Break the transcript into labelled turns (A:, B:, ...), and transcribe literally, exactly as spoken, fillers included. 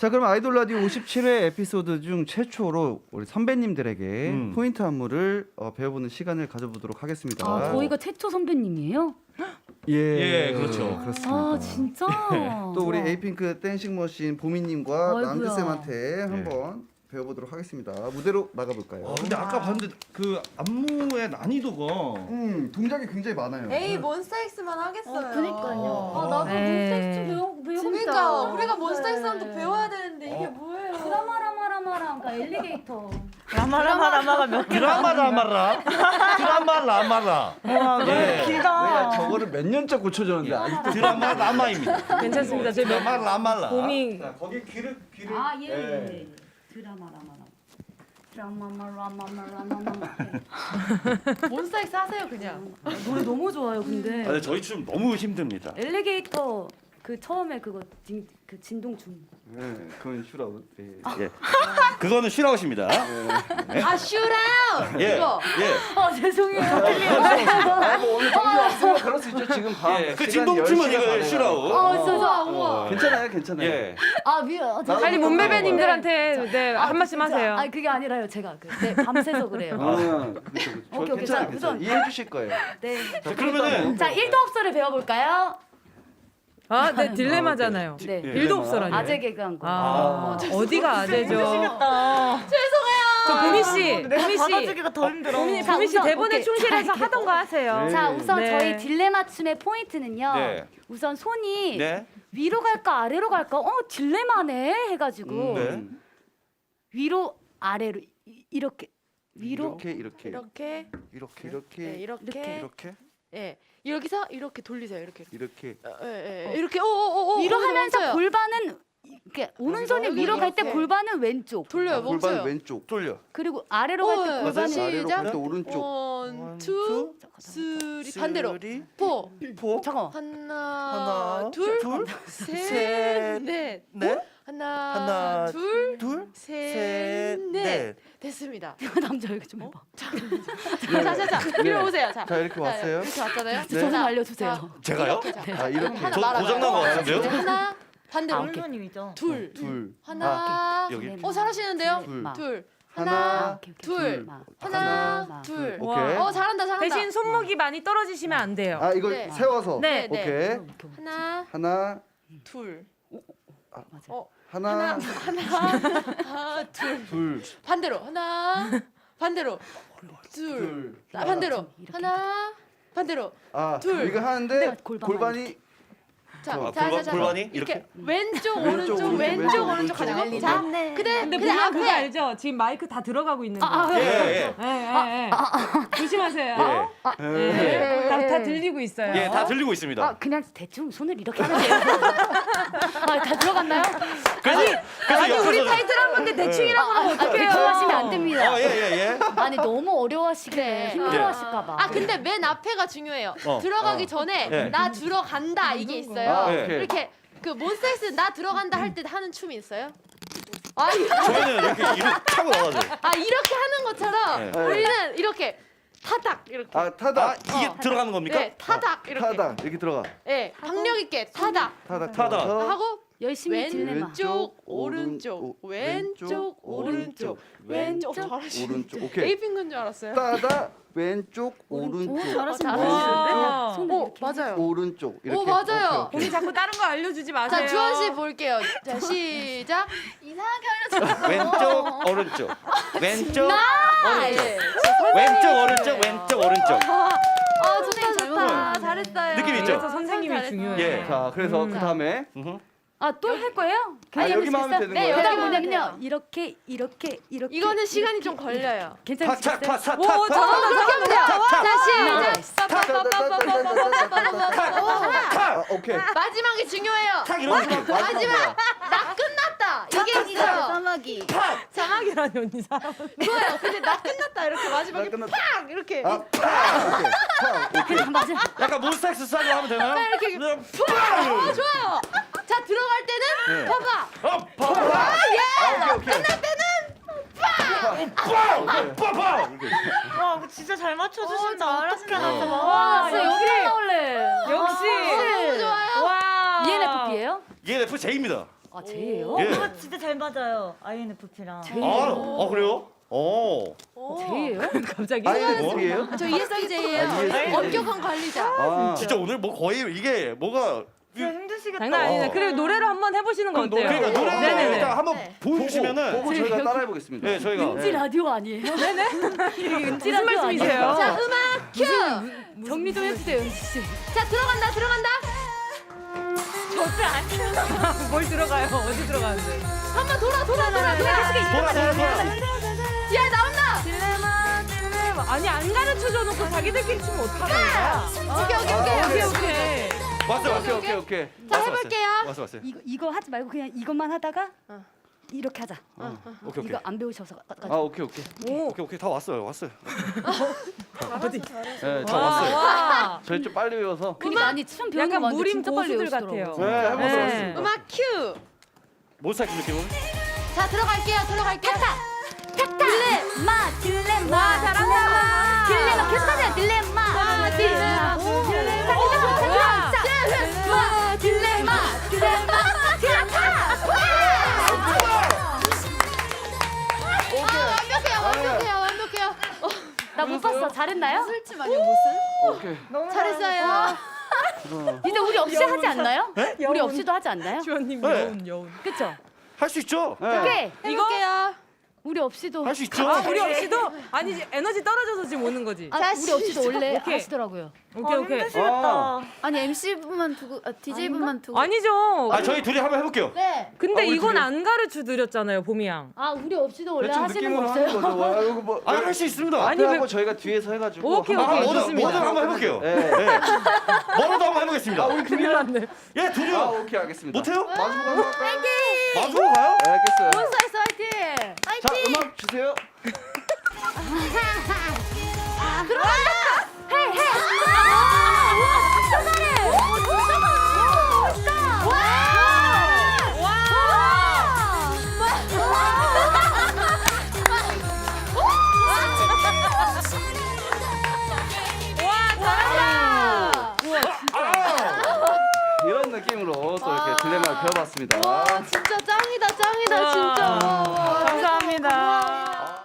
A: 자, 그럼 아이돌 라디오 오십칠 회 에피소드 중 최초로 우리 선배님들에게
B: 음.
A: 포인트 안무를 어, 배워보는 시간을 가져보도록 하겠습니다.
C: 아, 저희가 최초 선배님이에요?
A: 예,
B: 예, 그렇죠.
A: 그렇습니다.
C: 아, 진짜?
A: 또 우리
C: 와.
A: 에이핑크 댄싱 머신 보미님과
C: 아이고야.
A: 남규쌤한테 한번 배워보도록 하겠습니다. 무대로 나가볼까요?
B: 아, 근데 아까 봤는데 그 안무의 난이도가
A: 음, 동작이 굉장히 많아요.
D: 에이 몬스타엑스만 하겠어요.
C: 어, 그니까요. 아, 나도
E: 에이.
C: 몬스타엑스 배워, 배우고
D: 그러니까
C: 싶다.
D: 우리가 몬스타엑스랑도
C: 네.
D: 배워야 되는데 이게
B: 어.
D: 뭐예요?
C: 드라마라마라마랑 그러니까 엘리게이터.
E: 라마라마라마가 몇 개?
B: 드라마 라마라 드라마 라마라
E: 와, 너무
B: 예.
E: 길다.
A: 내가 저거를 몇 년째 고쳐줬는데 아직도
B: 드라마 라마입니다.
E: 괜찮습니다. 저희
B: 드라마 라마라.
E: 봄이
A: 자, 거기 귀를 귀를
C: 아, 예,
A: 예.
C: 예. 드라마라마라. 드라마마라마라마라마.
D: 몬스타엑스 하세요 그냥.
C: 노래 너무 좋아요, 근데.
B: 아, 근데 저희 춤 너무 힘듭니다.
C: 엘리게이터 그 처음에 그거 진, 그 진동춤.
A: 네, 그건 슈라웃. 예.
B: 예. 그거는 슈라웃입니다.
D: 아 슈라웃
B: 예.
D: 이거.
B: 예.
C: 아, 죄송해요.
A: 아, 뭐 오늘 정리 없으면 그럴 수 있죠. 지금 밤.
B: 예. 그
A: 시간
B: 진동춤은
A: 열 시가
B: 이거
A: 다 돼가지고.
B: 슈라웃.
C: 아, 진짜.
D: 우와 우와.
A: 괜찮아요, 괜찮아요.
B: 예.
C: 아, 미안. 저-
E: 빨리
A: 나도
E: 몸매
A: 그거
E: 배님들한테 네,
C: 아,
E: 한 말씀
C: 진짜.
E: 하세요.
C: 아, 그게 아니라요. 제가 그 네, 밤새서 그래요.
A: 아, 그렇죠, 그렇죠. 저
C: 오케이, 오케이.
A: 괜찮아요,
C: 자,
A: 괜찮아요.
C: 우선-
A: 이해해 주실 거예요.
C: 네.
B: 자, 그러면은
C: 자, 일도 없어를 배워 볼까요?
E: 아, 네 딜레마잖아요.
C: 네.
B: 예.
E: 일도 없어라니.
C: 아재 개그한 거.
E: 아, 어디가 아재죠?
D: 죄송해요.
E: 저 보미 씨, 보미 씨,
F: 받아주기가 더 힘들어.
E: 보미,
C: 자,
E: 보미 씨
C: 우선,
E: 대본에
C: 오케이.
E: 충실해서 하던 거 하세요.
A: 네.
C: 자, 우선
E: 네.
C: 저희 딜레마 춤의 포인트는요.
B: 네.
C: 우선 손이
B: 네.
C: 위로 갈까 아래로 갈까? 어, 딜레마네 해가지고
B: 네.
C: 위로 아래로 이- 이렇게 위로
A: 이렇게 이렇게
D: 이렇게
A: 이렇게
D: 네,
A: 이렇게
D: 이렇게
A: 이렇게
D: 예 여기서 이렇게 돌리세요 이렇게
A: 이렇게
D: 어, 예, 예. 이렇게 오오오
C: 위로 하면서 골반은 이렇게 오른손이
D: 여기,
C: 위로 갈 때
D: 이렇게.
C: 골반은 왼쪽.
D: 돌려요
A: 아, 골반
D: 멈춰요.
A: 왼쪽
B: 돌려.
C: 그리고 아래로 갈 때
D: 어,
C: 골반은
D: 시작.
A: 아래로 갈 때 오른쪽
D: 원, 투, 쓰리 반대로
B: 쓰리,
D: 포
B: 포,
C: 잠깐만.
D: 하나,
B: 하나,
D: 둘,
B: 둘,
D: 셋,
B: 셋,
D: 넷,
B: 넷,
D: 하나,
B: 하나,
D: 둘,
B: 둘,
D: 셋,
B: 셋,
D: 넷.
B: 넷.
D: 됐습니다.
C: 남자 여기 좀 해봐.
D: 자, 자, 자, 자, 이리
A: 네.
D: 오세요. 자,
A: 자, 이렇게
D: 자,
A: 왔어요.
D: 이렇게 왔잖아요.
A: 네.
C: 저좀
D: 자,
C: 알려주세요.
D: 자,
B: 제가요?
D: 이렇게, 자,
A: 아, 이렇게
D: 하나
B: 저
D: 말아봐요.
B: 고장난 것 같은데요?
D: 이제 하나 반대로
C: 아, 오케이.
F: 손님이죠.
D: 둘,
A: 둘
D: 하나,
B: 여기.
D: 어 잘하시는데요?
A: 둘.
D: 둘,
A: 하나,
D: 하나,
C: 오케이, 오케이.
D: 둘,
C: 마.
D: 하나,
C: 마.
D: 둘.
A: 오케이.
D: 어 잘한다, 잘한다.
E: 대신 손목이 많이 떨어지시면 안 돼요.
A: 아, 이거
D: 네.
A: 세워서
E: 네.
D: 네.
A: 오케이
D: 하나,
A: 하나
D: 둘,
C: 맞아.
D: 어
A: 하나
D: 하나, 둘.
A: 둘
D: 반대로 하나, 반대로 둘,
A: 둘.
D: 아, 반대로
C: 이렇게,
D: 하나, 반대로.
A: 아,
D: 둘.
A: 이거 하는데
C: 골반만
A: 골반이
D: 자,
B: 아,
D: 자,
B: 골반-
D: 자, 자,
B: 골반이
D: 이렇게,
B: 이렇게?
D: 왼쪽,
A: 왼쪽,
D: 오른쪽,
A: 오른쪽,
D: 왼쪽,
A: 왼쪽,
D: 오른쪽
A: 오른쪽.
D: 가지고.
C: 네,
D: 자,
C: 네.
D: 그대,
E: 근데
D: 그대
E: 물론 그거
D: 앞에.
E: 알죠? 지금 마이크 다 들어가고 있는 거.
C: 아,
B: 예,
C: 예.
B: 예.
E: 예, 예, 예. 조심하세요.
B: 예.
E: 예. 다, 다 들리고 있어요.
B: 예, 다 들리고 있습니다.
C: 아, 그냥 대충 손을 이렇게 하면 돼요. 아, 다 들어갔나요?
B: 그래서 그래서
E: 아니 우리
B: 옆에서-
E: 타이틀한 건데 대충이라고 하면
C: 아,
E: 어떡해요?
C: 대충 하시면 안 됩니다.
B: 어, 예, 예, 예.
C: 아니 너무 어려워하시게
D: 네.
C: 힘들어하실까봐.
D: 아 근데 맨 앞에가 중요해요.
B: 어.
D: 들어가기
A: 어.
D: 전에
B: 네.
D: 나 들어간다 이게 있어요.
A: 아,
B: 네.
A: 오케이.
D: 이렇게 그 몬스타엑스 나 들어간다 할 때 하는 춤이 있어요? 아, 이-
B: 저희는 이렇게 이렇게 차고 나가죠.
D: 아 이렇게 하는 것처럼
B: 네.
D: 우리는 이렇게 타닥 이렇게.
A: 아, 타다
B: 아, 이게
D: 어.
B: 들어가는 겁니까?
D: 네, 타닥 이렇게.
A: 타다 이렇게 들어가
D: 네, 박력 있게 타닥
A: 타다
B: 타다.
A: 타다
D: 하고
C: 열심히 딜레마.
D: 왼쪽 오른쪽 왼쪽 오른쪽 왼쪽 잘하시네.
A: 오른쪽 오케이
D: 에이핑크인 줄 알았어요.
A: 따다 왼쪽 오른쪽
C: 잘하시네.
E: 와.
C: 손을
D: 오
C: 이렇게.
D: 맞아요.
A: 오른쪽 이렇게
D: 오, 맞아요.
A: 오케이, 오케이.
E: 우리 자꾸 다른 거 알려주지 마세요.
D: 자 주원 씨 볼게요. 자 시작.
C: 이상하게 알려줘.
B: 왼쪽 오른쪽 왼쪽
D: 아, 예.
B: 왼쪽 오른쪽 왼쪽 오른쪽
D: 아 좋다 좋다.
B: 음.
D: 잘했어요.
B: 느낌 있죠?
E: 그래서 선생님이
D: 잘했어요.
E: 중요해요.
B: 예.
A: 자 그래서
E: 음.
A: 그 다음에
B: 음흠.
C: 아, 또 할 거예요?
A: 아, 여기만 하면 되는
D: 네,
A: 거예요?
C: 그다음
D: 여기만
C: 뭐냐면요.
D: 하면 돼요.
C: 이렇게 이렇게 이렇게.
D: 이거는 시간이
C: 이렇게,
D: 좀 걸려요.
C: 괜찮으시겠어요?
B: 탁탁탁탁
E: 오, 잘한다,
D: 어, 그렇게 하면 돼요. 자 시작.
A: 아, 오케이
D: 마지막이 중요해요.
B: 탁 이런 느낌.
D: 마지막 나 끝났다. 이게 있어요.
C: 사마귀.
E: 사막이라니 언니 사람.
D: 이거예요. 근데 나 끝났다 이렇게 마지막에
A: 나 끝났다.
D: 팍 이렇게
A: 아, 파! 오케이. 파! 오케이.
C: 맞아.
B: 약간 몬스타엑스 스타일로 하면 되나요?
D: 이렇게
B: 그냥
D: 어 좋아요. 자 들어갈 때는
B: 네.
D: 파가.
B: 어, 파파.
A: 아, 오케이, 오케이.
D: 끝날 때는
B: 빵! 빵빵!
F: 와, 진짜 잘 맞춰주신다.
D: 어,
F: 어떻게
D: 잘하시네.
F: 하나 봐.
E: 와,
C: 진짜
E: 역시.
C: 여기로 나올래.
E: 역시.
D: 너무 좋아요.
E: 와.
C: 이엔에프피예요?
B: 이엔에프제이입니다.
C: 아 제예요?
G: 예.
F: 어, 진짜 잘 맞아요. 아이엔에프피랑.
G: 아, 아 그래요? 어.
C: 제예요?
E: 갑자기.
A: 아이엔에프피예요?
D: 저 이에스티제이예요.
A: 아, 이에스티제이.
D: 엄격한 관리자.
A: 아,
G: 진짜 오늘 뭐 거의 이게 뭐가
F: 진짜 힘드시겠다.
E: 장난 아니네.
G: 어.
E: 그리고 노래로 한번 해보시는 거 어때요?
G: 그러니까 노래
E: 네네네.
G: 일단 한번
D: 네.
G: 보여주시면은
A: 보고 저희가 따라해보겠습니다.
G: 네 저희가
C: 은지 라디오 아니에요? 네네. 은지
E: 무슨 말씀이세요?
D: 자 음악 큐.
C: 정리 좀 해주세요, 은지 씨.
D: 자 들어간다 들어간다.
E: 뭘 들어가요? 어디 들어가는데?
D: 한번 돌아 돌아 돌아 돌아.
G: 돌아 돌아 돌아.
D: 야 나온다.
E: 딜레마 딜레마. 아니 안 가르쳐줘 놓고 자기들끼리 추면 어떡하는 거야?
D: 오케이 오케이 오케이.
E: 오케이 오케이.
G: 왔어
A: 오케이
G: 왔어.
A: 오케이 오케이.
D: 자
G: 왔어,
D: 해볼게요.
G: 왔어 왔어.
C: 이거 이거 하지 말고 그냥 이것만 하다가 이렇게 하자.
G: 오케이 오케이.
C: 이거 안 배우셔서 가- 가-
A: 아 오케이 오케이.
G: 오케이 오케이 다 왔어요 왔어요.
E: 어디?
A: 네, 저
E: 와,
A: 왔어요.
E: 와.
A: 저희 좀 빨리 배워서.
C: 그러니까 아니 춤 배우는 거
E: 약간
C: 봤는데
E: 무림
C: 진짜 빨리
E: 고수들
C: 배우시더라고요.
E: 같아요.
A: 네, 해보세요.
E: 네.
A: 해보세요.
D: 음악 큐.
G: 모사키 느낌으로.
D: 자 들어갈게요 들어갈게요.
C: 딜레마 딜레마
E: 와, 잘한다.
C: 딜레마 계속하세요. 딜레마
D: 아, 딜레마.
C: 딜레마
E: 와.
D: 딜레마 딜레마 딜레마 아 완벽해요 완벽해요 완벽해요.
C: 나 못 봤어. 잘했나요?
D: 술집 아니야 무슨?
A: 오케이.
F: 너무
D: 잘했어요.
C: 이제 우리 없이 하지 않나요? 우리 없이도 하지 않나요?
E: 주원님
G: 네.
E: 여운 여운.
C: 그쵸?
G: 할 수 있죠?
A: 네.
C: 오케이.
D: 해볼게요.
C: 우리 없이도
G: 할 수 있죠?
E: 아 우리 없이도 아니 이제 에너지 떨어져서 지금 오는 거지.
C: 아,
D: 자,
C: 우리 없이도 원래
E: 오케이.
C: 하시더라고요.
E: 오케이 오케이.
F: 힘드시겠다.
D: 아니 엠씨분만 두고 아, 디제이분만 두고.
E: 아니죠.
G: 아 저희 둘이 한번 해볼게요.
D: 네.
E: 근데
A: 아, 우리
E: 이건
A: 둘이-
E: 안 가르쳐 드렸잖아요, 봄이 양.
C: 아 우리 없이도 원래
A: 대충
C: 하시는 거
A: 느낌으로 하는
C: 없어요?
A: 거죠. 와, 이거 뭐
G: 아 할 수 있습니다.
E: 아니,
A: 앞에
E: 왜-
A: 하고 저희가 뒤에서 해가지고.
E: 오케이,
A: 한번
E: 오케이,
G: 뭐든
E: 좋습니다.
G: 뭐든 한번 해볼게요.
A: 네.
G: 네. 뭐라도 한번 해보겠습니다.
E: 큰일 났네.
G: 예
A: 아
G: 둘이요.
A: 오케이 알겠습니다.
G: 못해요?
A: 마지막 한번 할까요?
G: 마지막으로 가요?
A: 네, 알겠어요.
D: 몬스타엑스 화이팅.
A: 자 음악 주세요.
D: 들어간다.
C: 헤이 헤이. 아, 우와 진짜 잘해. 오 진짜 잘해. 와.
A: 이런 느낌으로 또 이렇게 딜레마를 배워봤습니다.
D: 와 진짜 짱이다 짱이다
E: 우와.
D: 진짜. 와, 와.
E: 감사합니다.